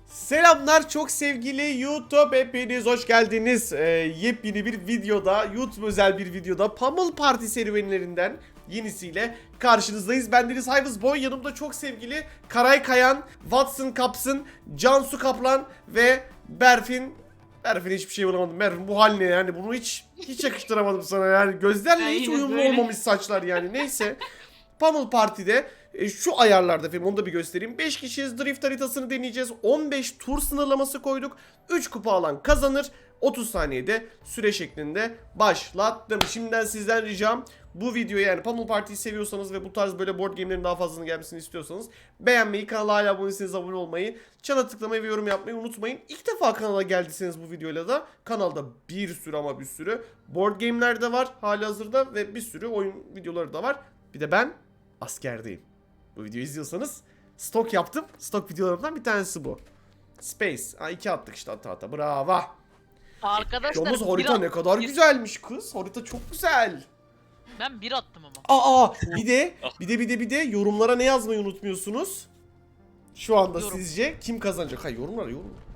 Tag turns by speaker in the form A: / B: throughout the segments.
A: Selamlar çok sevgili YouTube, hepiniz hoş geldiniz. Yepyeni bir videoda, YouTube özel bir videoda Pummel Party serüvenlerinden yenisiyle karşınızdayız. Bendeniz Hayvız Boy, yanımda çok sevgili Karay Kayan, Watson Kapsın, Cansu Kaplan ve Berfin. Berfin hiçbir şey bulamadım. Berfin bu hal ne yani, bunu hiç yakıştıramadım sana yani. Gözlerle hiç uyumlu olmamış saçlar yani, neyse. Pummel Party'de şu ayarlarda efendim, onu da bir göstereyim. 5 kişiyiz, drift haritasını deneyeceğiz. 15 tur sınırlaması koyduk. 3 kupa alan kazanır. 30 saniyede süre şeklinde başlattım. Şimdiden sizden ricam, bu videoyu, yani Pummel Party'yi seviyorsanız ve bu tarz böyle board game'lerin daha fazlasını gelmesini istiyorsanız beğenmeyi, kanala hala abone değilseniz abone olmayı, çana tıklamayı ve yorum yapmayı unutmayın. İlk defa kanala geldiyseniz bu videoyla da kanalda bir sürü ama bir sürü board game'ler de var halihazırda ve bir sürü oyun videoları da var. Bir de ben askerdeyim. Bu videoyu izliyorsanız stok yaptım. Stok videolarımdan bir tanesi bu. Space. Ha, 2 attık işte, ata. Bravo.
B: Arkadaşlar
A: Yalnız harita ne kadar güzelmiş kız. Harita çok güzel.
B: Ben bir attım ama.
A: Bir de yorumlara ne yazmayı unutmuyorsunuz? Şu anda
B: Yorum.
A: sizce kim kazanacak? Hayır, yorumlara.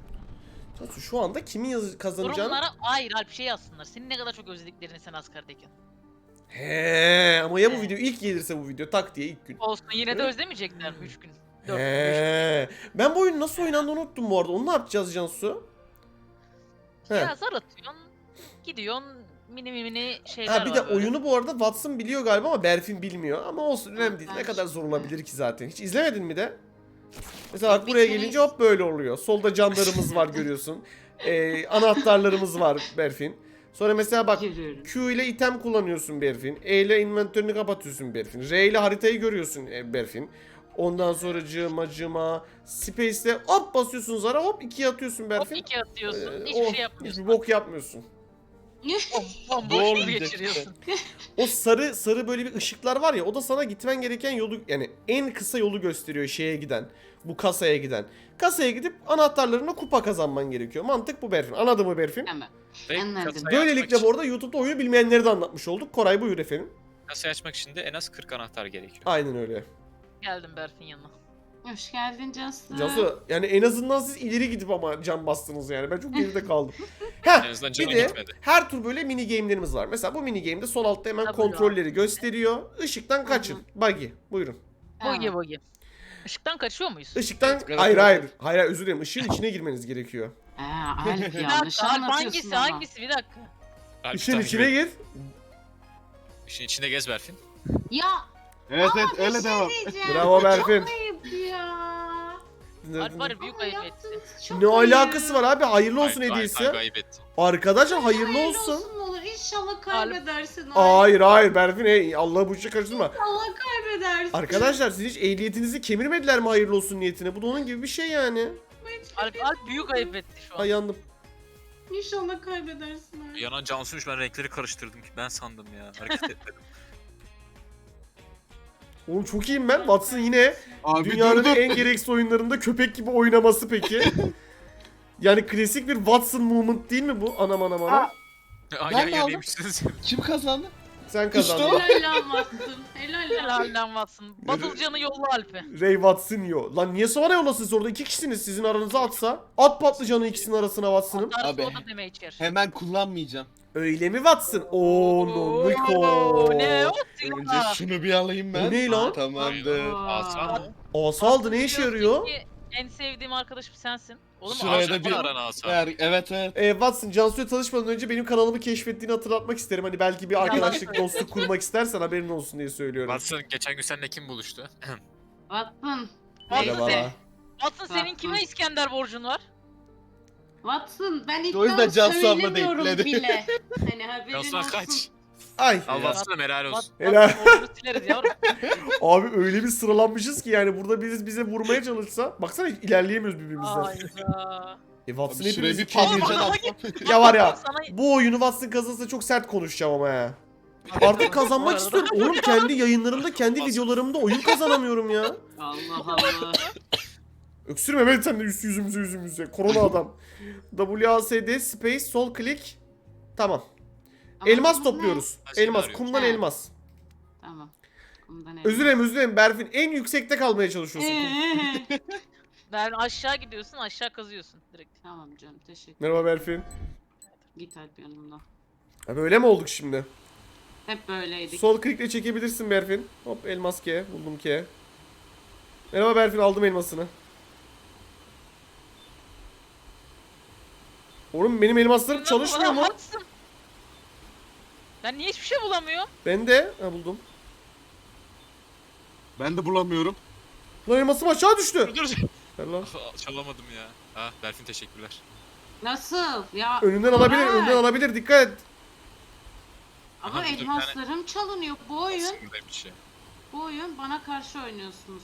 A: Şu anda kimin kazanacağını...
B: Yorumlara hayır Alp şey yazsınlar. Seni ne kadar çok özlediklerini sen askerdeyken.
A: He, ama ya bu video ilk gelirse, bu video tak diye ilk gün.
B: Olsun yine de özlemeyecekler mi 3 gün? 4 gün. 5 gün.
A: He. Ben bu oyunu nasıl oynandığını unuttum bu arada. Onu ne yapacağız Cansu? He.
B: Ya zar atıyorsun. Gidiyorsun mini şeyler
A: Ha, bir
B: var
A: de
B: böyle.
A: oyunu bu arada Watson biliyor galiba ama Berfin bilmiyor. Ama olsun, önemli değil. Ne kadar zor olabilir ki zaten. Hiç izlemedin mi de? Mesela bak, buraya gelince hop böyle oluyor. Solda canlarımız var, görüyorsun. Anahtarlarımız var Berfin. Sonra mesela bak, Q ile item kullanıyorsun Berfin. E ile inventörünü kapatıyorsun Berfin. R ile haritayı görüyorsun Berfin. Ondan sonra cıma Space'le hop basıyorsun zara, hop 2'ye atıyorsun
B: Hop
A: Berfin.
B: 2 atıyorsun. Hiçbir şey yapmıyorsun.
A: Hiçbir bok yapmıyorsun.
B: Bomboş gibi geçiriyorsun.
A: O sarı böyle bir ışıklar var ya, o da sana gitmen gereken yolu, yani en kısa yolu gösteriyor şeye giden. Bu kasaya giden. Kasaya gidip anahtarlarına kupa kazanman gerekiyor. Mantık bu Berfin. Anladın mı Berfin?
C: Hemen.
D: Ve
C: Anladım.
D: kasayı
A: Böylelikle
D: açmak
A: bu arada YouTube'da oyunu bilmeyenleri de anlatmış olduk. Koray buyur efendim.
D: kasayı açmak için de en az 40 anahtar gerekiyor.
A: Aynen öyle.
B: Geldim Berfin yanına.
C: Hoş geldin Cansu.
A: Cansu, yani en azından siz ileri gidip ama can bastınız yani. Ben çok geride kaldım.
D: En
A: Heh,
D: azından
A: bir
D: canı
A: de
D: gitmedi.
A: her tur böyle mini game'lerimiz var. Mesela bu mini game'de sol altta hemen
B: Tabii
A: kontrolleri gösteriyor. Işıktan kaçın. Buggy. Buyurun.
B: Bogi. Işıktan kaçıyor muyuz?
A: Işıktan...
D: Evet,
A: Hayır, özür dilerim. Işığın içine girmeniz gerekiyor.
C: Alp
B: Bir
C: yanlış
B: dakika Alp
C: anlatıyorsun ama.
B: hangisi bir dakika.
D: Alp
A: Işığın
D: takip
A: içine
D: et.
A: gir.
D: İşin içinde gez Berfin.
C: Ya
E: Evet öyle
C: bir
E: devam.
C: şey diyeceğim.
A: Bravo Berfin.
C: Çok ayıp ya.
B: Alp var ya büyük ayıp etti.
C: Yaptığınız çok
A: Ne
C: ayıp.
A: alakası var abi? Hayırlı olsun hediyesi.
D: Ayıp etti.
A: Arkadaşlar hayırlı
C: Hayırlı
A: olsun.
C: olsun olur. İnşallah kaybedersin.
A: Hayır Berfin, Allah bu işe karıştırma.
C: İnşallah kaybedersin.
A: Arkadaşlar siz hiç ehliyetinizi kemirmediler mi hayırlı olsun niyetine? Bu da onun gibi bir şey yani.
B: Alp büyük ayıp etti şu an.
A: Ay, yandım.
C: İnşallah kaybedersin. Alp.
D: Yanan Cansu'ymuş, ben renkleri karıştırdım ki ben sandım ya. Hareket etmedim.
A: Oğlum çok iyiyim ben. Watson yine
E: Abi
A: dünyanın
E: dur.
A: en gereksiz oyunlarında köpek gibi oynaması peki. Yani klasik bir Watson moment değil mi bu? Anam.
E: Aa.
D: Ay
E: Ben de aldım.
D: yemişsiniz.
E: Kim kazandı?
A: Sen
E: İşte
A: kazandın.
E: o.
C: Helal lan Watson. Helal lan.
B: Helalden Watson. Batılcanı yolla Alp'e.
A: Ray Watson yo. Lan niye sonra yollasın orada? 2 kişisiniz, sizin aranıza atsa. At patlıcanı ikisinin arasına Watson'ın.
B: Darısı
E: Abi.
B: o da demeye içer.
E: Hemen kullanmayacağım.
A: Öyle mi Watson? Oo no Niko.
B: Ne o?
E: Önce şunu bir alayım ben.
A: Bu ne lan?
E: Tamamdır.
D: Aslan mı?
A: Asa aldı, ne işe yarıyor?
B: En sevdiğim arkadaşım sensin. Oğlum
E: Şuraya
D: Aslan
E: da bir-
D: mı aran Aslan?
E: Evet.
A: Watson, Cansu'ya tanışmadan önce benim kanalımı keşfettiğini hatırlatmak isterim. Hani belki bir arkadaşlık, dostluk kurmak istersen haberin olsun diye söylüyorum.
D: Watson geçen gün seninle kim buluştu?
C: Watson.
A: Merhaba.
C: Neyse.
B: Watson senin kime İskender borcun var?
C: Watson ben
E: O yüzden
C: iddia
E: Cansu abla
C: söylemiyorum
E: denkledi.
C: bile. Hani haberin
D: Cansu'na
C: olsun.
D: kaç.
A: Ay.
D: Al Watson'a helal olsun.
A: Helal.
B: Watson borcunu sileriz yavrum.
A: Abi öyle bir sıralanmışız ki yani burada birisi bize vurmaya çalışsa. Baksana hiç ilerleyemiyoruz birbirimizden.
B: Hayda.
A: Watson
E: Abi şuraya
A: hepimizi
E: bir
A: kemirecek.
E: patlıcan
A: Ya var ya.
B: Sana
A: Bu oyunu Watson kazanırsa çok sert konuşacağım ama ya. Artık kazanmak istiyorum. Oğlum kendi yayınlarımda, kendi videolarımda oyun kazanamıyorum ya.
C: Allah Allah.
A: Öksürme ben sen de yüzümüze. Korona adam. WASD space sol klik. Tamam. Elmas
C: Ama
A: topluyoruz.
D: Başka
A: Elmas,
D: arıyor.
A: kumdan
C: Ha.
A: elmas.
C: ne? Tamam. Bundan
A: Özür dilerim Berfin. En yüksekte kalmaya çalışıyorsun.
B: Ben aşağı gidiyorsun, aşağı kazıyorsun direkt.
C: Tamam canım teşekkür.
A: Merhaba Berfin.
C: Git Alp yanımda.
A: Abi öyle mi olduk şimdi?
C: Hep böyleydik.
A: Sol klikle çekebilirsin Berfin. Hop elmas K. Buldum K. Merhaba Berfin, aldım elmasını. Oğlum benim elmaslarım çalışmıyor mu?
B: Haksın. Ben niye hiçbir şey bulamıyorum?
A: Ben de. Ha buldum.
E: Ben de bulamıyorum.
A: Lan elmasım aşağı düştü.
D: Dur dur.
A: Ver lan.
D: Çalamadım ya. Ah Berfin teşekkürler.
C: Nasıl? Ya
A: Önünden alabilir,
C: Koray.
A: önünden alabilir. Dikkat et.
C: Ama
D: Aha, dur, bir
C: elmaslarım çalınıyor. Bu oyun,
D: Aslındaymış ya.
C: bu oyun bana karşı oynuyorsunuz.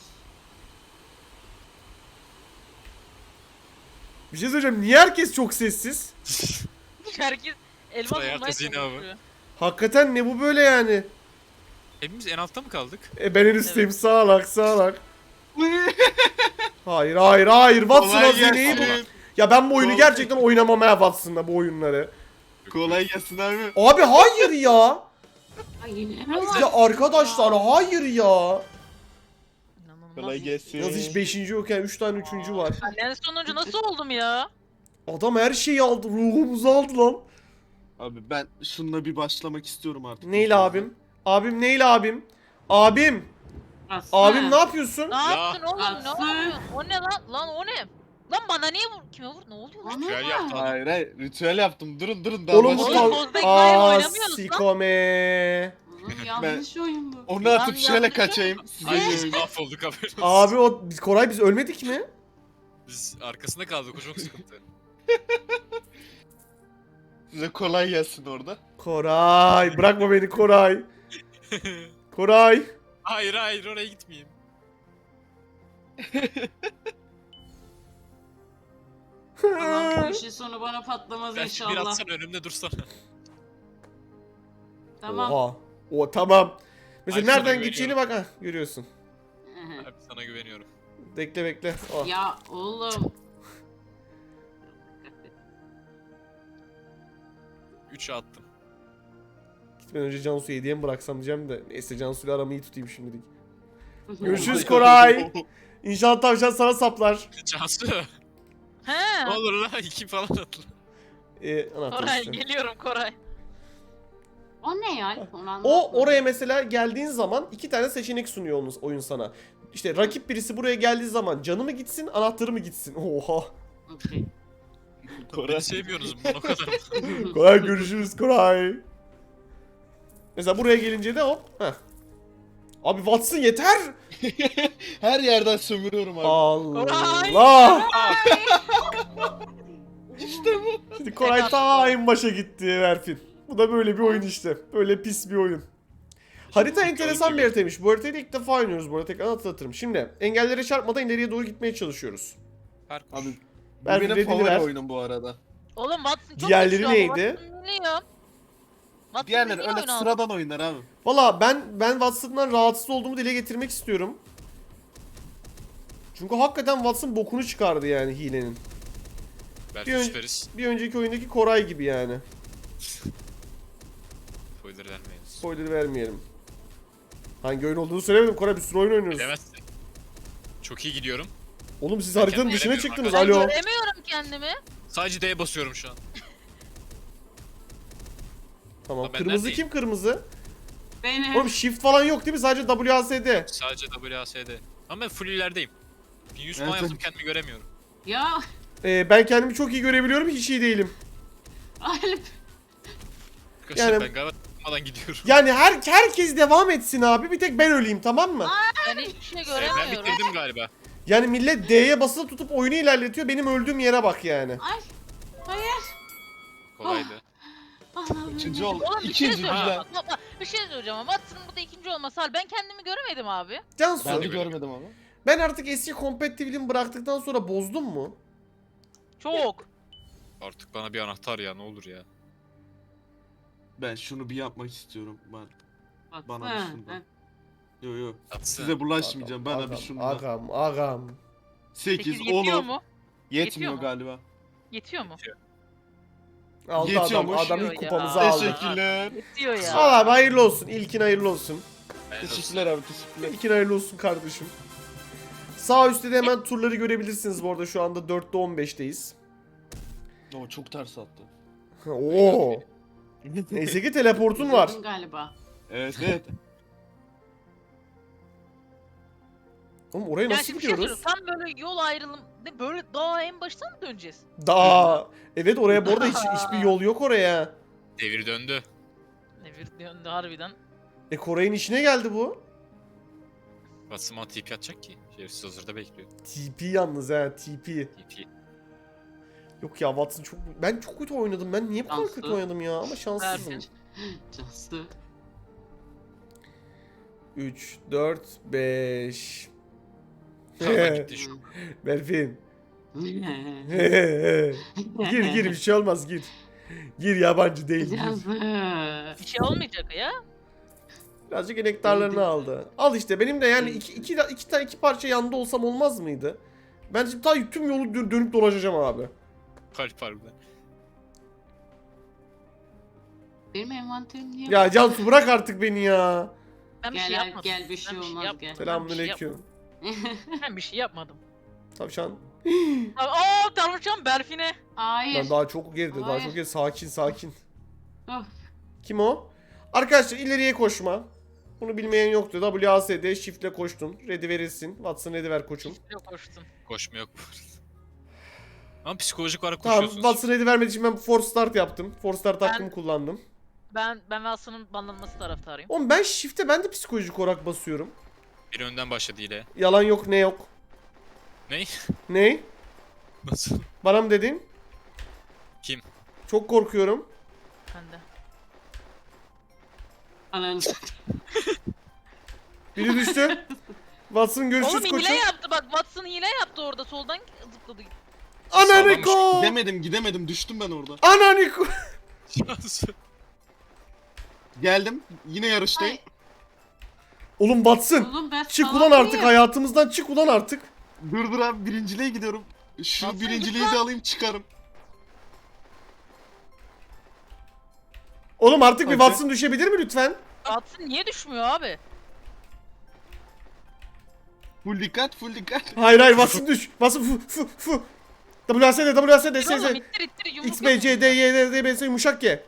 A: Bir şey söyleyeceğim. Niye herkes çok sessiz?
B: Herkes elmas
D: Sıra
B: bulmaya
D: herkes yine abi.
B: çalışıyor.
A: Hakikaten ne bu böyle yani?
D: Hepimiz en altta mı kaldık?
A: Ben en üstteyim. Sağlak sağlak. Hayır hayır hayır. Watson
E: Kolay
A: hazineyi bul.
E: gelsin.
A: Ya ben bu oyunu
E: Kolay-
A: gerçekten oynamam ha Watson'la bu oyunları.
E: Kolay gelsin abi.
A: Abi hayır ya.
C: Ay yine mi var?
A: Ya arkadaşlar hayır ya.
B: İnanılmaz.
E: Kolay gelsin.
A: Yalnız hiç 5. yokken 3 tane 3. var.
B: Ben en sonuncu nasıl oldum ya?
A: Adam her şeyi aldı. Ruhumuzu aldı lan.
E: Abi ben şununla bir başlamak istiyorum artık.
A: Neyle abim? Abim neyle abim? Abim.
C: Aslı.
A: Abim ne yapıyorsun?
B: Ne yaptın oğlum? Ne
C: Aslı.
B: yapıyorsun? O ne lan? Lan o ne? Lan bana niye vur? Kime vur? Ne oluyor lan?
C: Bana
D: Ritüel
C: bak.
D: yaptı adam.
E: Hayır hayır ritüel yaptım. Durun daha
A: Oğlum bu
E: başlayalım.
B: Oğlum,
A: kal...
B: Bozdek Bayern
A: Aa
B: oynamıyoruz lan.
A: sikome.
C: Oğlum yanlış oyun bu.
E: Onu atıp
B: Ben
E: şöyle
B: yanlış
E: kaçayım. Size
D: Ay biz
E: diyorum.
D: mahvolduk haberin olsun.
A: Abi Koray biz ölmedik mi?
D: Biz arkasında kaldık o çok sıkıntı.
E: Size kolay gelsin orada.
A: Koray bırakma beni Koray. Koray.
D: Hayır hayır oraya gitmeyeyim.
C: Allah'ım bu işin sonu bana patlamaz
D: Ben şimdi bir
C: inşallah.
D: atsana önümde dursana.
C: Tamam.
A: Oha. O tamam. Mesela
D: Ay, sana
A: nereden
D: güveniyorum.
A: gideceğini bak ha görüyorsun.
D: Abi sana güveniyorum.
A: Bekle bekle. Oh.
C: Ya oğlum.
D: 3'e attım.
A: Gitmeden önce Cansu'yu hediye mi bıraksam diyeceğim de. Neyse Cansu'yla aramı iyi tutayım şimdilik.
C: Oh
A: Görüşürüz Koray. İnşallah tavşan sana saplar.
D: Cansu.
B: He.
D: Ne olur la 2 falan atla.
A: Anahtar
B: Koray
A: işte.
B: geliyorum Koray.
C: O ne ya? Onu
A: O
C: anlatmadım.
A: oraya mesela geldiğin zaman 2 tane seçenek sunuyor oyun sana. İşte rakip birisi buraya geldiği zaman canı mı gitsin, anahtarı mı gitsin? Oha.
C: Okey.
E: Koray.
D: Beni sevmiyorsunuz bunu o kadar.
A: Koray görüşürüz Koray. Mesela buraya gelince de hop. Heh. Abi Watson yeter.
E: Her yerden sömürüyorum abi.
A: Allah.
E: İşte bu.
A: Şimdi Koray ta en başa gitti Berfin. Bu da böyle bir oyun işte. Böyle pis bir oyun. Harita enteresan bir haritaymış. Bu haritayı da ilk defa oynuyoruz bu arada. Tekrar hatırlatırım. Şimdi engellere çarpmadan ileriye doğru gitmeye çalışıyoruz.
D: Parkur.
E: Abi bu
A: Ben
E: benim
A: dediğini
E: favori
A: ver.
E: oyunum bu arada.
B: Oğlum Watson çok
A: Diğerleri
B: güçlü oldu.
A: neydi?
B: Watson biliyor. Watson
E: Diğerleri
B: biliyor
E: öyle
B: oyunu aldı.
E: sıradan oyunlar abi.
A: Valla ben Watson'dan rahatsız olduğumu dile getirmek istiyorum. Çünkü hakikaten Watson bokunu çıkardı yani hilenin.
D: Belki
A: Bir ön-
D: süperiz.
A: Bir önceki oyundaki Koray gibi yani.
D: Spoiler vermeyiz.
A: Spoiler vermeyelim. Hangi oyun olduğunu söylemedim. Koray bir sürü oyun oynuyoruz.
D: Bilemezsin. Çok iyi gidiyorum.
A: Oğlum siz haritanın
D: kendimi
A: dışına
D: göremiyorum
A: çıktınız.
B: Ben
A: Alo.
B: göremiyorum kendimi.
D: Sadece D'ye basıyorum şu an.
A: Tamam.
D: Ben
A: Kırmızı
D: neredeyim?
A: kim kırmızı?
C: Benim.
A: Oğlum shift falan yok değil mi? Sadece WASD.
D: Sadece WASD. Ama ben full ilerideyim. 1100
E: Evet,
D: puan yaptım
E: evet.
D: kendimi göremiyorum.
C: Ya
A: Ben kendimi çok iyi görebiliyorum. Hiç iyi değilim.
C: Alp.
D: Arkadaşlar
A: Yani-
D: ben galiba tutmadan gidiyorum.
A: Yani herkes devam etsin abi. Bir tek ben öleyim tamam mı?
B: Ben hiçbir şey
D: Ben
B: göremiyorum.
D: bitirdim galiba.
A: Yani millet D'ye basılı tutup oyunu ilerletiyor. Benim öldüğüm yere bak yani.
C: Ay. Hayır.
D: Kolaydı.
C: Allah'ım.
E: İkinci ol.
B: Oğlum bir şey
E: İkinci
B: söyleyeceğim.
E: güzel.
B: Bak, bir şey söyleyeceğim ama Watson'ın burada ikinci olması hal. Ben kendimi göremedim abi.
A: Cansu
E: Ben de
A: ben,
E: görmedim ama.
A: artık eski competitive'liğimi bıraktıktan sonra bozdum mu?
B: Çok.
D: Artık bana bir anahtar ya ne olur ya.
E: Ben şunu bir yapmak istiyorum. Bana bir
C: Ha,
E: şundan.
C: ha.
E: Yo yo.
D: Atsın.
E: Size bulaşmayacağım. Bana
A: Agam,
E: bir şundan.
A: Agam.
E: 8
B: Peki yetiyor
E: olur.
B: mu?
E: Yetmiyor
B: Yetiyor mu?
E: galiba.
B: Yetiyor mu?
A: Aldı
E: Yetiyormuş.
A: adam ilk
B: Ya.
A: kupamızı aldı.
E: Teşekkürler.
B: Yetiyor ya.
A: Al abi hayırlı olsun. İlkin hayırlı olsun.
D: Ben
E: Teşekkürler abi teşekkürler.
A: İlkin hayırlı olsun kardeşim. Sağ üstte de hemen turları görebilirsiniz bu arada. Şu anda 4'te 15'teyiz.
E: O çok ters attı.
A: Oo. Neyse ki teleportun var.
C: Dedim galiba.
E: Evet evet.
A: Oğlum oraya
B: Yani
A: nasıl
B: şimdi bir şey
A: gidiyoruz?
B: söyleyeyim, tam böyle yol ayrılım. Ne böyle daha en baştan mı döneceğiz?
A: Daha. Evet oraya bu arada hiçbir yol yok oraya.
D: Devir döndü.
B: Ne bir yönde harbiden.
A: Koray'ın işine geldi bu.
D: Watson'a TP atacak ki. Şerefsiz hazırda bekliyor.
A: TP yalnız ha TP.
D: TP.
A: Yok ya Watson çok... Ben çok kötü oynadım. Ben niye bu kadar kötü
C: Şanslı.
A: oynadım ya? Ama şanssızım.
B: Berfin.
C: Cansu.
A: 3, 4, 5.
D: Hava gitti şu.
A: Berfin. Gir bir şey olmaz gir. Gir yabancı değil gir.
C: Cansu.
B: Bir şey olmayacak ya.
A: Birazcık enektarlarını aldı. Al işte benim de yani iki parça yanında olsam olmaz mıydı? Ben şimdi ta tüm yolu dönüp dolaşacağım abi.
D: Kalp harbiden.
C: Benim envanterim niye?
A: Ya Cansu bırak artık beni ya.
B: Ben bir şey
C: Gel
B: yapmadım.
C: gel bir şey
B: Ben
C: olmaz
B: yapmadım.
C: gel.
A: Selamünaleyküm.
B: Ben bir şey yapmadım.
A: Tavşan.
B: Aa Darmuşan Berfin'e.
C: Hayır.
A: Ben daha çok geride, daha
C: Hayır.
A: çok geride. Sakin.
C: Of.
A: Kim o? Arkadaşlar ileriye koşma. Bunu bilmeyen yoktu. WASD shift'le koştun. Ready verilsin. Watson ready ver koçum.
B: Yok koştum.
D: Koşma yok bu arada. Ama psikolojik olarak
A: Tamam
D: koşuyorsunuz.
A: Watson ready vermediği için ben force start yaptım. Force start
B: Ben-
A: hakkımı kullandım.
B: Ben Watson'ın banlanması taraftarıyım.
A: Oğlum ben shift'e ben de psikolojik olarak basıyorum.
D: Biri önden başladı ile.
A: Yalan yok ne yok.
D: Ney?
A: Ne?
D: Nasıl?
A: Bana mı dedin?
D: Kim?
A: Çok korkuyorum.
B: Ben de.
C: Ananı.
A: Biri düştü. Watson görüşürüz
B: Oğlum
A: koçum.
B: hile yaptı bak, Watson hile yaptı orada, soldan zıpladı.
A: Ananiko!
E: Gidemedim düştüm ben orada.
A: Ananiko!
D: Şansı.
E: Geldim yine yarıştayım.
C: Ay.
A: Oğlum Watson!
C: Oğlum ben
A: Çık
C: salak
A: ulan artık
C: mıyım?
A: hayatımızdan çık ulan artık.
E: Dur abi birinciliğe gidiyorum. Şu
B: Nasıl
E: birinciliği de alayım çıkarım.
A: Oğlum artık bir
E: Hadi.
A: Watson düşebilir mi lütfen?
B: Watson niye düşmüyor abi?
E: Full dikkat.
A: Hayır Watson düş. Watson fu. WSD
B: Dur oğlum,
A: SZ.
B: ittir yumruk
A: X, B, C, D, Y, D, B, S yumuşak G.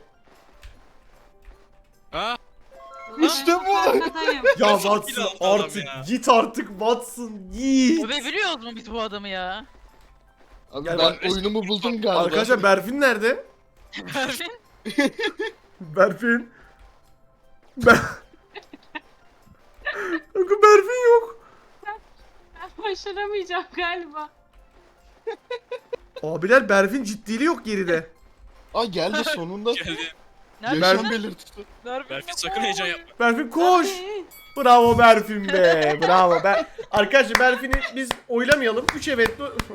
D: Aa,
E: İşte bu.
C: Arkadayım.
A: Ya
D: Çok
A: Watson
D: iyi adam
A: artık
D: ya.
A: git artık Watson git.
B: Abi biliyoruz mu biz bu adamı ya?
E: Abi
A: Ya
E: ben
A: ben-
E: oyunumu buldum galiba.
A: Arkadaşlar Berfin nerede?
B: Berfin?
A: Berfin. Kanka Berfin yok.
C: Ben başaramayacağım galiba.
A: Abiler Berfin ciddiliği yok geride.
E: Aa geldi sonunda.
D: geldi.
B: Nerede?
E: Yaşam belirtisi.
B: Berfin
D: Sakın heyecan yapma.
A: Berfin koş. Bravo Berfin be. Bravo. Arkadaşlar Berfin'i biz oylamayalım. 3 evet.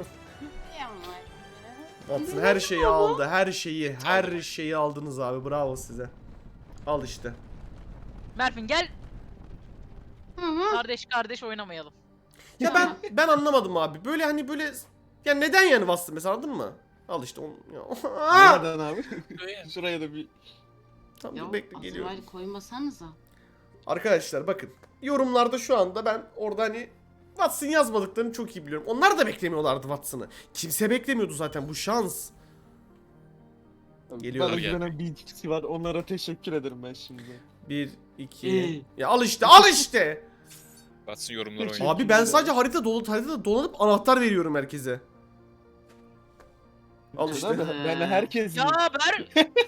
A: Watson her şeyi aldı. Her şeyi aldınız abi. Bravo size. Al işte.
B: Berfin gel,
C: Hı hı.
B: kardeş oynamayalım.
A: Ya ben anlamadım abi. Böyle hani böyle ya neden yani bastın mesela anladın mı? Al işte onu. Ya.
E: Nereden abi?
D: Şuraya.
E: Şuraya da bir...
A: Tamam
C: Ya
A: dur bekle geliyorum.
C: Azrail koymasanıza.
A: Arkadaşlar bakın. Yorumlarda şu anda ben orada hani Watson yazmadıklarını çok iyi biliyorum. Onlar da beklemiyorlardı Watson'ı. Kimse beklemiyordu zaten bu şans. Geliyor.
E: Bana
D: Gel.
E: güvenen bir kişi var. Onlara teşekkür ederim ben şimdi.
A: 1, 2.
C: İyi.
A: Ya al işte.
D: Watson yorumlar
E: Peki.
D: oynuyor.
A: Abi ben sadece haritada dolanıp anahtar veriyorum herkese. Al işte.
E: Ben herkes
B: Ya Ber...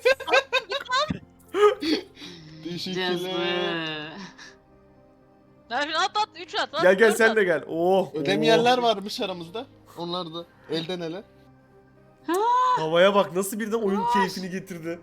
E: Teşekkürler.
C: Cezbe.
B: Berfin at 3 at.
A: Gel
B: dört
A: sen
B: at.
A: de gel. Oh.
E: Ödemeyenler
A: oh.
E: varmış aramızda. Onlar da elden ele.
A: Havaya bak nasıl birden oyun keyfini getirdi.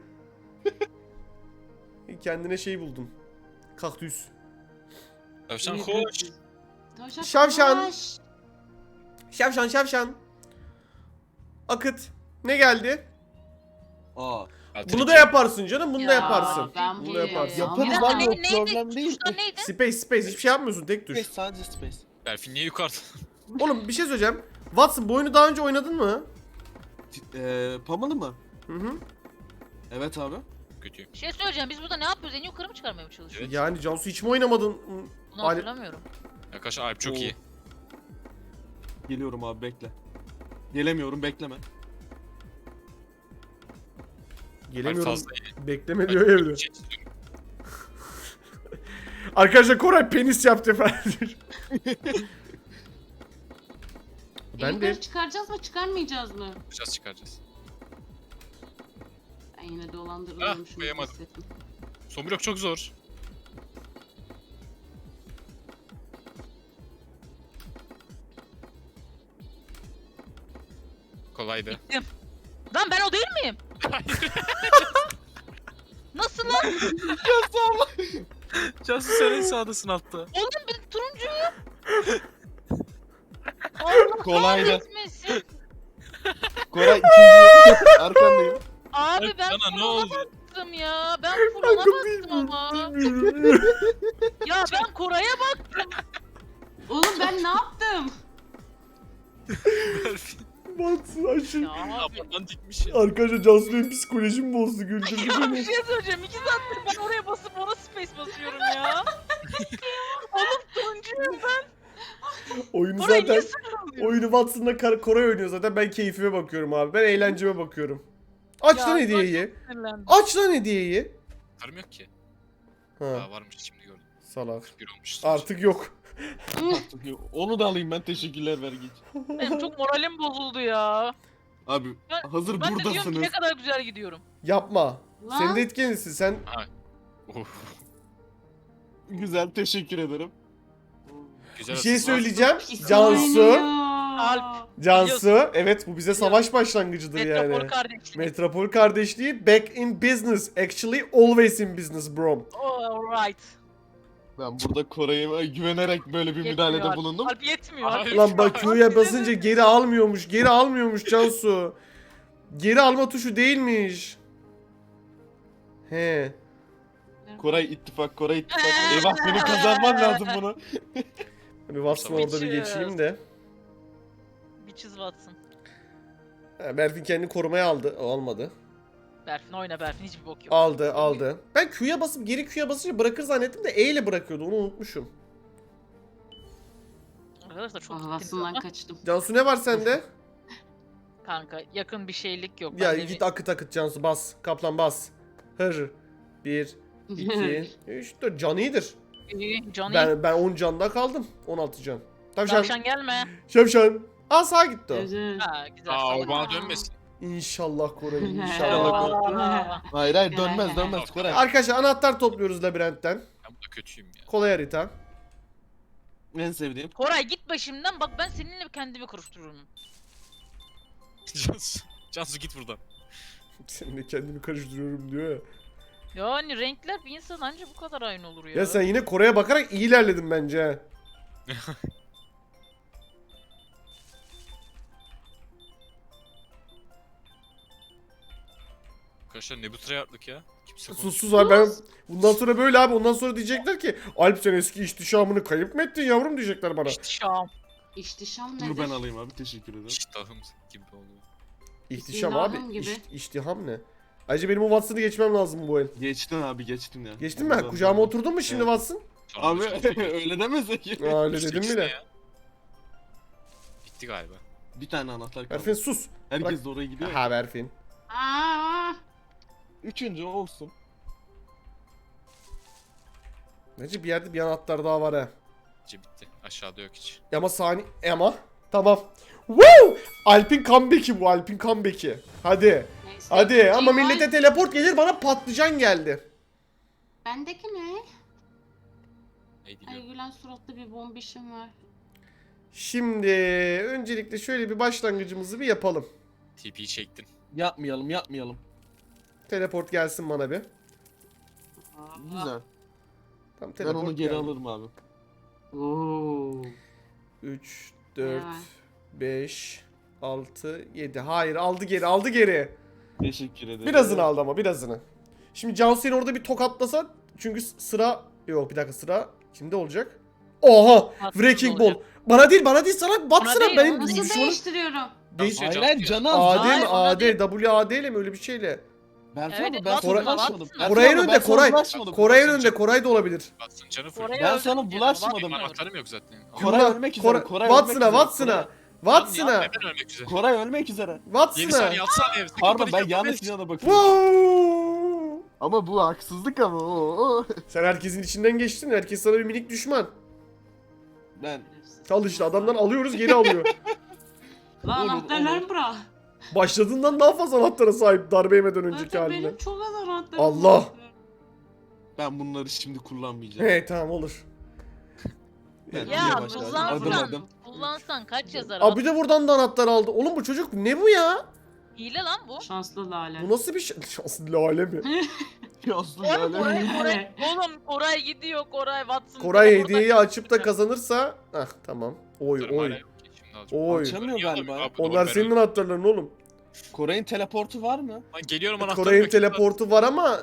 A: Kendine şey buldum. Kaktüs.
D: Tavşan koş.
C: Tavşan
A: Şavşan.
C: koş.
A: Şavşan. Akıt. Ne geldi?
E: Aa.
A: Bunu da yaparsın canım. Bunu da
C: Ya,
A: yaparsın.
C: ben
A: Bunu
C: bu-
A: da yaparsın.
E: Yaparız
B: Bir
E: lan
B: dakika,
E: yok problem değil.
B: Tuşlar neydi?
A: Space. Hiçbir şey yapmıyorsun. Tek tuş.
E: Space sadece space.
D: Berfin niye yukarıda?
A: Oğlum bir şey söyleyeceğim. Watson bu oyunu daha önce oynadın mı?
E: Pamalı mı?
A: Hı.
E: Evet abi.
D: Kötüyüm.
B: Bir şey söyleyeceğim, biz burada ne yapıyoruz? En yukarı mı çıkarmaya mı çalışıyoruz?
D: Evet.
A: Yani Cansu hiç mi oynamadın?
B: Bunu hatırlamıyorum.
D: Arkadaşlar Alp çok
A: Oo.
D: iyi.
E: Geliyorum abi bekle. Gelemiyorum bekleme.
A: Gelemiyorum.
D: Fazla iyi.
A: Bekleme diyor evde.
D: Şey-
A: Arkadaşlar Koray penis yaptı falan. Ben de
C: Yukarı çıkaracağız mı çıkarmayacağız mı?
D: Yapacağız çıkaracağız.
C: Ben yine dolandırılıyormuşum.
D: Ah, koyamadım.
C: hissettim.
D: Son blok çok zor. Kolaydı.
B: Bittim. Lan ben o değil miyim? Nasıl lan?
D: Cansu sen en sağdasın altta.
B: Oğlum ben turuncuyum. Allah
E: Kolaydı.
B: kahretmesin.
E: Koray ikinci arkandayım.
B: Abi ben
D: Sana ne
B: full ona
D: oldu?
B: baktım ya. Ben full ona baktım ama. Ya ben Koray'a baktım.
C: Oğlum ben ne yaptım?
A: Batsın aşırı.
B: Ya abi.
D: Aman dikmiş ya.
A: Arkadaşlar Cansu benim psikolojimi bozdu güldürdü
B: Ya bir
A: beni.
B: şey söyleyeceğim. 2 saattir ben oraya basıp ona space basıyorum ya. Oğlum turuncuyum ben.
A: Oyunu
B: Oraya
A: zaten
B: niye sıralıyorsun?
A: oyunu Watson'la Koray oynuyor zaten ben keyfime bakıyorum abi. Ben eğlenceme bakıyorum. Aç
B: Ya,
A: lan
B: ben
A: hediyeyi.
B: Sinirlendim.
A: Aç lan hediyeyi.
D: Param yok ki.
A: Ha
D: Aa varmış şimdi gördüm.
A: salak.
D: 41 olmuş.
A: Artık yok.
E: Onu da alayım ben teşekkürler ver git.
B: Benim çok moralim bozuldu ya.
E: Abi
B: Ben-
E: hazır
B: Ben de diyorum ki
E: buradasınız.
B: ne kadar güzel gidiyorum.
A: Yapma.
C: Lan.
A: Senin de etkenisin sen.
D: Of.
E: Güzel teşekkür ederim.
D: Güzel
A: Bir şey
D: atın.
A: söyleyeceğim.
C: Pis
A: Cansu.
C: oynuyor.
B: Alp.
A: Cansu. Evet bu bize savaş başlangıcıdır
B: Metropol
A: yani.
B: kardeşliği.
A: Metropol kardeşliği back in business. Actually always in business bro.
B: Alright.
E: Ben burada Koray'a güvenerek böyle bir müdahalede
B: Alp.
E: bulundum.
B: Alp yetmiyor.
D: Ay.
B: Alp.
A: Lan bak Q'ya basınca geri almıyormuş. Geri almıyormuş Cansu. Geri alma tuşu değilmiş. He.
E: Koray ittifak, Koray ittifak. Eyvah senin kazanman lazım bunu.
A: Bir Watson'a orada bir geçeyim de.
B: Bitches Watson.
A: Ha, Berfin kendini korumaya aldı. O almadı.
B: Berfin oyna Berfin hiçbir bok yok.
A: Aldı aldı. Ben Q'ya basıp geri Q'ya basınca bırakır zannettim de E ile bırakıyordu. Onu unutmuşum.
B: Arkadaşlar çok gittiniz
C: Havasından
B: ama.
C: kaçtım.
A: Cansu ne var sende?
B: Kanka yakın bir şeylik yok.
A: Ya
B: Ben de
A: git
B: bir-
A: akıt akıt Cansu bas. Kaplan bas. Hır. 1, 2, 3, 4. Can iyidir.
B: İyi, Johnny.
A: Ben 10 canda kaldım. 16 can. Tavşan.
B: Tavşan gelme.
A: Şavşan. Aa sağa gitti o.
C: Güzel.
B: Ha güzel.
D: Aa o
B: salak.
D: bana dönmesin.
A: İnşallah Koray inşallah.
B: Aa.
E: Hayır hayır dönmez dönmez Koray.
A: Arkadaşlar anahtar topluyoruz labirentten.
D: Ben burada kötüyüm ya.
A: Kolay harita.
E: En sevdiğim.
B: Koray git başımdan bak ben seninle kendimi karıştırıyorum.
D: Cansu git buradan.
A: Seninle kendimi karıştırıyorum diyor ya.
B: Yani renkler bir insan anca bu kadar aynı olur ya.
A: Ya sen yine Kore'ye bakarak iyi ilerledin bence. ha.
D: Arkadaşlar ne bu tryhardlık ya? Kimse
A: Sus sus abi ben bundan sonra böyle abi ondan sonra diyecekler ki Alp sen eski ihtişamını kayıp mı ettin yavrum diyecekler bana.
B: İhtişam.
C: İhtişam nedir?
E: Dur ben alayım abi teşekkür ederim.
D: İştahım gibi oluyor.
A: İhtişam
C: İstiham
A: abi.
C: gibi.
A: İhtiham ne? Ayrıca benim o Watson'ı geçmem lazım bu el.
E: Geçtin abi geçtin ya.
A: Geçtin mi? Kucağıma oturdun mu şimdi
E: Evet.
A: Watson?
D: Sonra
E: Abi
D: da Cansu
E: öyle demesek.
A: Aa öyle
D: İşte
A: dedim
D: ikisi
A: bile.
D: ne ya? Bitti galiba.
E: Bir tane anahtar kaldı.
A: Berfin sus.
E: Herkes de oraya gidiyor. ya.
A: Ha Berfin.
C: Aa,
E: Üçüncü olsun.
A: Bence bir yerde bir anahtar daha var ha.
D: Bence bitti. Aşağıda yok hiç.
A: Ama saniye ama tamam. Woo! Alp'in comeback'i bu Alp'in comeback'i. Hadi.
C: neyse.
A: Hadi ama
C: Cihan,
A: millete teleport gelir bana patlıcan geldi.
C: Bendeki ne?
D: Neydi
C: Ay
D: biliyorum.
C: gülen suratlı bir bombişim var.
A: Şimdi öncelikle şöyle bir başlangıcımızı bir yapalım.
D: TP'yi çektin.
E: Yapmayalım.
A: Teleport gelsin bana bir.
C: Aa.
E: Güzel.
A: Tamam,
E: Ben onu geri
A: geldi.
E: alırım abi.
C: Oo.
A: 3, 4,
C: Ya.
A: 5, 6, 7. Hayır aldı geri.
E: Teşekkür ederim.
A: Birazını aldı ama birazını. Şimdi Cansu seni orada bir tokatlasa çünkü sıra... Yok bir dakika sıra kimde olacak? Oha!
B: Watson'da
A: Wrecking Ball.
B: olacak.
A: Bana değil sana batsana
B: değil,
A: benim
C: Nasıl
A: düşmanım.
C: değiştiriyorum?
A: Değiş...
D: Hayır,
E: Hayır canı az.
A: AD mi?
B: Hayır, ona
A: AD,
B: değil.
A: WAD ile mi öyle bir şeyle?
E: Berfin
B: Evet,
E: abi ben
B: Watson,
E: sana
A: Watson.
E: bulaşmadım.
A: Koray'ın
E: Berfin abi,
A: önünde,
E: ben sana
A: Koray.
E: bulaşmadım.
A: Koray'ın önünde Koray da olabilir.
D: Watsın canı full.
B: Koray
E: Ben
B: öldü
E: sana
B: diyor,
E: bulaşmadım.
B: Watson'ı
D: Benim
B: öldü.
D: anahtarım yok zaten.
E: Koray ölmek üzere. Koray ölmek üzere.
A: Watson'a. Watson'a.
D: Neden ölmek üzere?
E: Koray ölmek üzere.
D: 7
A: Watson'a.
D: saniye atsana ev.
E: Pardon ben yanlış yana bakıyorum.
A: Wow.
E: Ama bu haksızlık ama. Oo.
A: Sen herkesin içinden geçtin. Herkes sana bir minik düşman.
E: Ben
A: Al işte adamdan alıyoruz geri alıyor.
C: Lan
E: Olur,
C: anahtarlarımı bırak.
A: Başladığından daha fazla anahtara sahip darbe yemeden önceki
C: Zaten
A: haline.
C: benim çok az anahtarım
A: Allah.
E: ben bunları şimdi kullanmayacağım.
A: He tamam olur.
E: Ben
B: Ya
E: yavaş yavaş, adım
B: kullansan,
E: adım.
B: kullansan kaç yazar?
A: Abi de buradan da anahtar aldı. Oğlum bu çocuk ne bu ya?
B: Hile lan bu.
C: Şanslı lale.
A: Bu nasıl bir şey? Şanslı lale mi?
E: Yazdı
B: Oğlum
E: yani.
B: Koray gidiyor Koray Watson.
A: Koray
B: teleporta
A: hediyeyi açıp da
B: çıkıyor.
A: kazanırsa ah tamam. Oy
D: Dur,
A: oy.
D: hala yok ki, şimdi alacağım.
A: Oy.
E: Açamıyor galiba.
D: Abi, doğru,
A: Onlar
D: ben
A: senin
D: öldüm.
A: anahtarların oğlum.
E: Koray'ın teleportu var mı?
D: Lan geliyorum anahtarı.
A: Koray'ın
D: bekliyorum.
A: teleportu var ama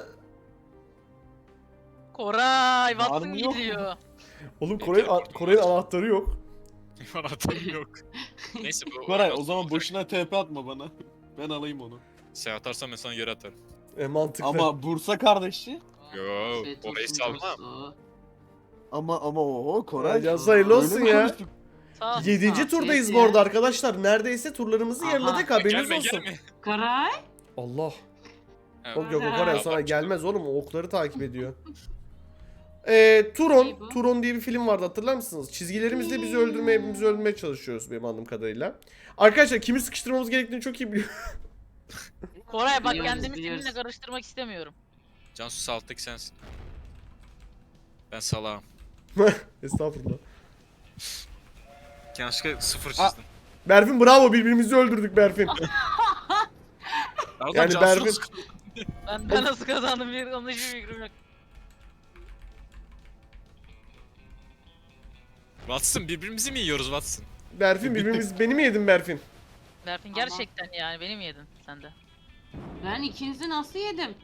B: Koray
E: Var
B: Watson
E: mı, yok mu?
B: gidiyor.
A: oğlum Koray'ın anahtarı yok.
D: Anahtarım yok. Neyse bu.
E: Koray o zaman boşuna TP atma bana. Ben alayım onu.
D: Sen atarsan ben sana geri atarım.
A: Mantıklı.
E: Ama Bursa kardeşi.
D: Yo,
C: Afiyet
D: orayı
C: olsun
D: salmam.
C: dostu.
E: Ama o Koray.
A: Ya hayırlı olsun
E: Öyle mi
A: ya.
E: konuştuk?
B: Sağ ol.
A: 7.
C: Afiyet
A: turdayız
C: ya.
A: bu arada arkadaşlar. Neredeyse turlarımızı
C: Aha.
A: yarıladık haberiniz
D: Gelme
A: olsun.
D: gelme.
C: Koray.
A: Allah.
D: Evet.
A: Yok yok o
C: Aha.
A: Koray sana
D: Bak,
A: gelmez oğlum. O okları takip ediyor.
C: Ne
A: Turon.
C: bu?
A: Turon diye bir film vardı hatırlar mısınız? Çizgilerimizle bizi öldürmeye çalışıyoruz benim anladığım kadarıyla. Arkadaşlar kimi sıkıştırmamız gerektiğini çok iyi biliyorum.
B: Koray bak
C: Biliyoruz,
B: kendimi
C: biliyoruz.
B: seninle karıştırmak istemiyorum.
D: Cansu sağ alttaki sensin. Ben salağım.
A: Estağfurullah.
D: Yanlışlıkla 0 çizdim.
A: Berfin bravo birbirimizi öldürdük Berfin.
D: Adam
A: yani
D: Cansu'nu
A: Berfin-
D: sıkıyor.
B: Ben nasıl kazandım bir onun hiçbir fikrim yok.
D: Watson birbirimizi mi yiyoruz Watson?
A: Berfin beni mi yedin Berfin?
B: Berfin
C: Ama-
B: gerçekten yani beni mi yedin sen de?
C: Ben ikinizi nasıl yedim?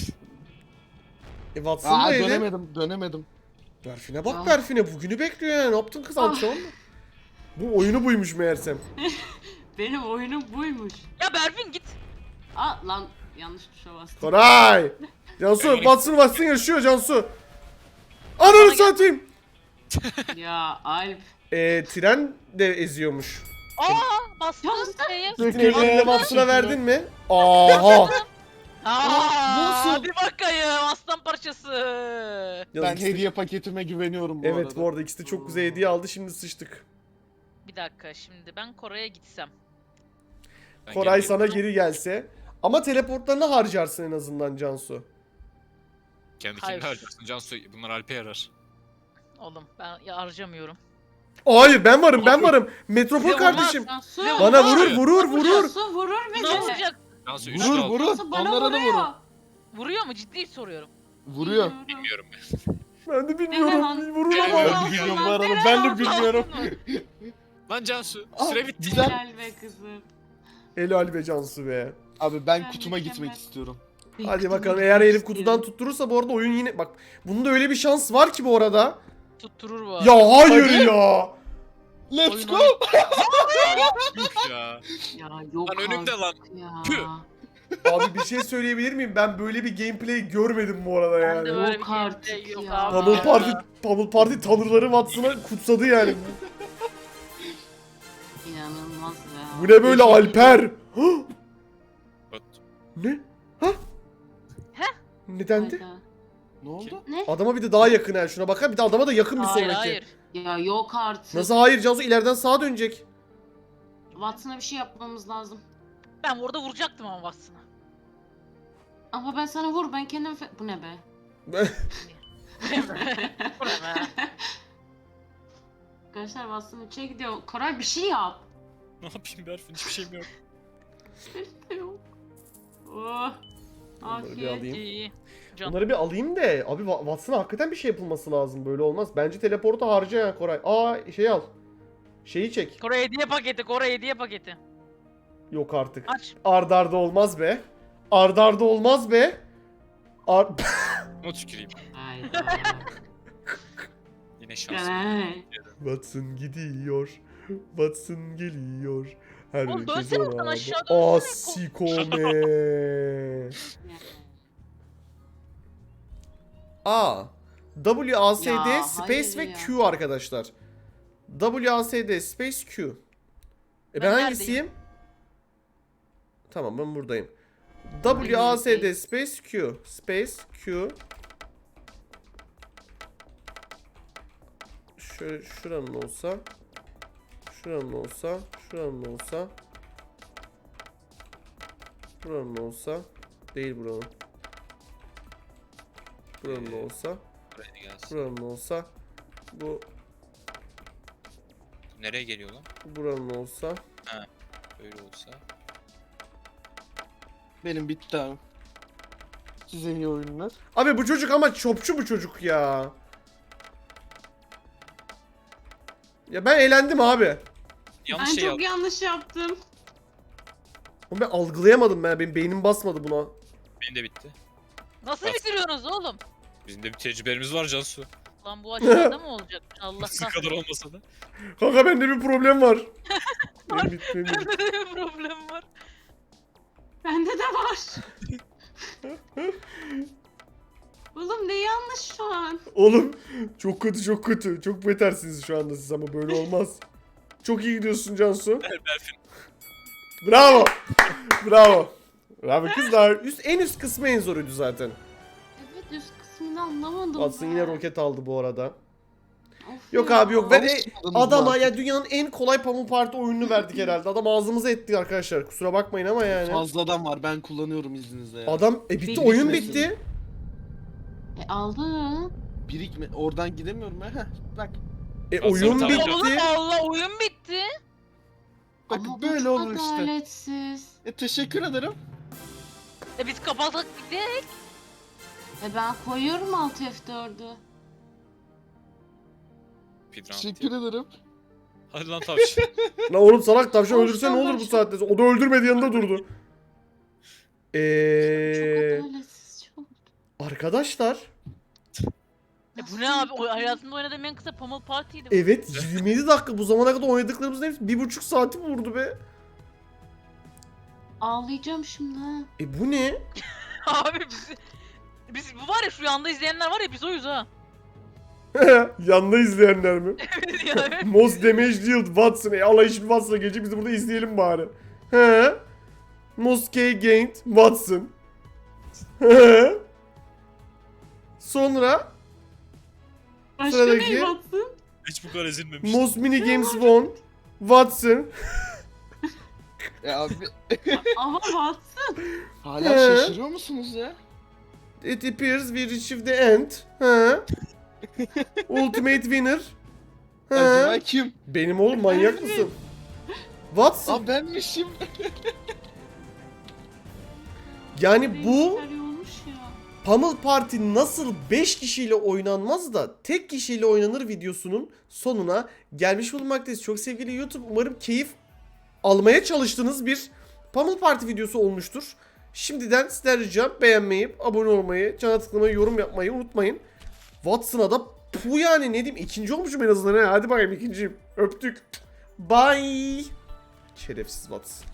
A: Watson da yedi.
E: Dönemedim.
A: Berfin'e bak
C: Ah.
A: Berfin'e bugünü bekliyor yani. Ne yaptın kız antrenman mı? Bu oyunu buymuş meğersem.
C: Benim oyunum buymuş.
B: Ya Berfin git.
C: Aa lan yanlış tuşa bastım.
A: Koray! Cansu Watson yaşıyor Cansu.
B: Bana
A: Ananı
B: gel.
A: satayım.
C: Ya Alp.
A: Tren de eziyormuş.
B: Bastın şeye.
A: Elini Watson'a verdin mi? Aha!
B: Aaa hadi bakayım aslan parçası.
A: Ya
E: Ben
A: ikisi de-
E: hediye paketime güveniyorum bu
A: Evet
E: arada.
A: bu arada ikisi de çok güzel hediye aldı şimdi sıçtık.
B: Bir dakika şimdi ben Koray'a gitsem.
D: Ben
A: Koray
D: geri
A: sana
D: geliyorum.
A: geri gelse. Ama teleportlarını harcarsın en azından Cansu.
D: Kendi
B: Hayır.
D: kendine harcarsın Cansu. Bunlar Alp'e yarar.
B: Oğlum ben ya harcamıyorum.
A: Hayır ben varım. Metropol
B: Bize
A: kardeşim.
C: Cansu.
A: Bana vurur.
C: Cansu vurur
B: Ne
C: beni.
B: olacak?
D: Cansu
E: Vurur,
D: 3 aldı.
E: vurur.
C: Cansu bana
E: Onlara da
C: vuruyor.
E: vurun.
B: Vuruyor mu? Ciddi soruyorum.
E: Vuruyor.
D: Bilmiyorum ben.
A: Ben de
C: Ne
A: bilmiyorum.
C: lan?
A: Vurur
C: Ne
A: ama.
C: lan?
E: Ben de bilmiyorum bu arada. Ben de bilmiyorum.
D: Lan Cansu
E: Aa,
D: süre bitti.
E: güzel.
C: Helal be kızım.
A: Helal be Cansu be.
E: Abi ben
C: Ben
E: kutuma
C: mükemmel.
E: gitmek istiyorum.
A: Hadi bakalım eğer Elif kutudan tutturursa bu arada oyun yine bak bunda öyle bir şans var ki bu arada.
B: Tutturur bu.
A: Ya hayır
E: Hadi.
A: ya.
E: Let's
B: Oyun
E: go.
D: Yuh ya.
C: Ya yok
D: Lan önümde lan.
C: artık ya.
D: Tüh.
A: Abi bir şey söyleyebilir miyim? Ben böyle bir gameplay görmedim bu arada
B: Ben de
A: yani.
B: böyle
C: Yok
B: bir
C: artık
B: gameplay yok
C: ya.
B: abi.
A: Pummel Party tanrıları Watson'a kutsadı yani.
C: İnanılmaz ya.
A: Bu ne böyle Alper? Hah!
D: Bak,
A: Ne? Ha? Nedendi?
C: Hayda.
E: Ne oldu?
C: Ne?
A: Adama bir de daha yakın yani şuna bakar bir de adama da yakın bir
B: Hayır
A: sonraki.
B: hayır.
C: Ya yok artık.
A: Nasıl hayır Cansu ileriden sağa dönecek.
C: Watson'a bir şey yapmamız lazım.
B: Ben orada vuracaktım ama Watson'a.
C: Ama ben sana vur ben kendim bu ne be?
B: Bu ne be?
C: Arkadaşlar Watson içe gidiyor. Koray bir şey yap.
D: ne yapayım Berfin hiçbir şeyim yok.
C: Yok. Oh.
A: Bunları bir
C: Afiyet.
A: alayım.
B: İyi. Can.
A: Bunları bir alayım da abi Watson'a hakikaten bir şey yapılması lazım böyle olmaz. Bence teleportu harca ya Koray. Şey al. Şeyi çek.
B: Koray hediye paketi, Koray hediye paketi.
A: Yok artık.
B: Aç.
A: Ardarda olmaz be. Ardarda olmaz be.
D: Not tüküreyim.
C: Hayda.
D: Yine şans.
C: Ay.
A: Watson gidiyor. Watson geliyor.
B: Oğlum dönsene oradan aşağı dönsene.
A: Asikome. WASD
C: Ya,
A: space
C: hayır
A: ve
C: ya.
A: Q arkadaşlar. WASD space Q. Ben
B: Ben
A: hangisiyim? Tamam ben buradayım.
C: Ben
A: WASD space Q. Space Q. Şöyle şuranın olsa. Şuranın olsa. Şuranın olsa. Buranın olsa. Değil buranın. Buranın olsa.
D: Buraya gelsin.
A: Buranın olsa. Bu
D: Nereye geliyor lan?
A: buranın olsa.
D: Öyle olsa.
E: Benim bitti abi. Size iyi oyunlar.
A: Abi bu çocuk ama çopçu bu çocuk ya. Ya ben eğlendim abi.
D: Yanlış
C: Ben
D: şey
C: çok
D: yaptım.
C: yanlış yaptım.
A: Ama ben algılayamadım ben. Benim beynim basmadı buna.
D: Benim de bitti.
B: Nasıl
D: Bas.
B: bitiriyorsunuz oğlum?
D: Bizim de bir tecrübelerimiz var Cansu.
B: Lan bu aşağıda mı olacak? Allah
D: Sizin kadar
B: kahretsin.
D: olmasa da.
A: Kanka bende bir problem var. Benim bitti, benim bitti.
B: Bende de bir problem var.
C: Bende de var. Oğlum ne yanlış şu an?
A: Oğlum çok kötü çok kötü. Çok betersiniz şu anda siz ama böyle olmaz. Çok iyi gidiyorsun Cansu.
D: Berfin.
A: Bravo. Bravo. Bravo kızlar. En üst kısmı en zoruydu zaten.
C: Evet üst kısmını anlamadım.
A: Watson
C: ben.
A: yine roket aldı bu arada.
C: Of
A: Yok
C: ya.
A: abi yok. Ve
E: Alışmadınız
A: adama
E: mı?
A: ya dünyanın en kolay Pummel Party oyununu verdik herhalde. Adam ağzımıza etti arkadaşlar. Kusura bakmayın ama yani.
E: Fazladan var ben kullanıyorum izninizle ya.
A: Adam bitti
C: Bilgi
A: oyun
C: süresi.
A: bitti.
C: Aldın.
E: Birikme oradan gidemiyorum ha. Bak.
A: Oyun
D: Tamam.
A: bitti.
B: Oğlum Allah oyun bitti.
E: Bak
C: Ama
E: böyle
C: bu
E: olur işte.
C: adaletsiz.
E: Teşekkür ederim.
B: Biz kapatıp gidelim.
C: Ben koyuyorum alt F4'ü.
D: Speedrun.
E: Teşekkür ederim.
D: Hadi lan tavşan.
A: Lan oğlum salak tavşan
C: Tavşan,
A: öldürse ne olur bu
C: tavşan.
A: saatte sonra? O da öldürmedi yanında durdu.
C: Çok adaletsiz çok.
A: Arkadaşlar.
B: Bu ne abi? Hayatımda oynadığım en kısa Pummel Party'ydi bu.
A: Evet 27 dakika bu zamana kadar oynadıklarımızın hepsi 1,5 saati vurdu be.
C: Ağlayacağım şimdi ha.
A: Bu ne?
B: Abi biz bu var ya şu yanda izleyenler var ya biz oyuz ha.
A: Yanda izleyenler mi?
B: Evet ya evet.
A: Most Damage Dealt Watson. Allah hiçbir Watson'a gelecek biz de burada izleyelim bari. He? Most K Gained Watson. He? Sonra
C: Başka
A: Sıradaki-
C: ne batsın?
D: Hiç bu kadar ezilmemiş.
A: Most Mini Games Won Watson.
E: Ya abi
C: Ama batsın.
E: hala
A: He.
E: şaşırıyor musunuz ya?
A: It appears we reached the end. He? Ultimate Winner.
E: Acaba
A: He?
E: kim?
A: Benim oğlum manyak mısın? Watson.
E: Aa benmişim.
A: Yani bu
C: Renkler olmuş ya.
A: Pummel Party nasıl 5 kişiyle oynanmaz da tek kişiyle oynanır videosunun sonuna gelmiş bulunmaktayız. Çok sevgili YouTube umarım keyif almaya çalıştığınız bir Pummel Party videosu olmuştur. Şimdiden sizden ricam beğenmeyi, abone olmayı, çana tıklamayı, yorum yapmayı unutmayın. Watson'a da bu yani ne diyeyim ikinci olmuşum en azından. Hadi bakayım ikinciyim. Öptük. Bye. Şerefsiz Watson.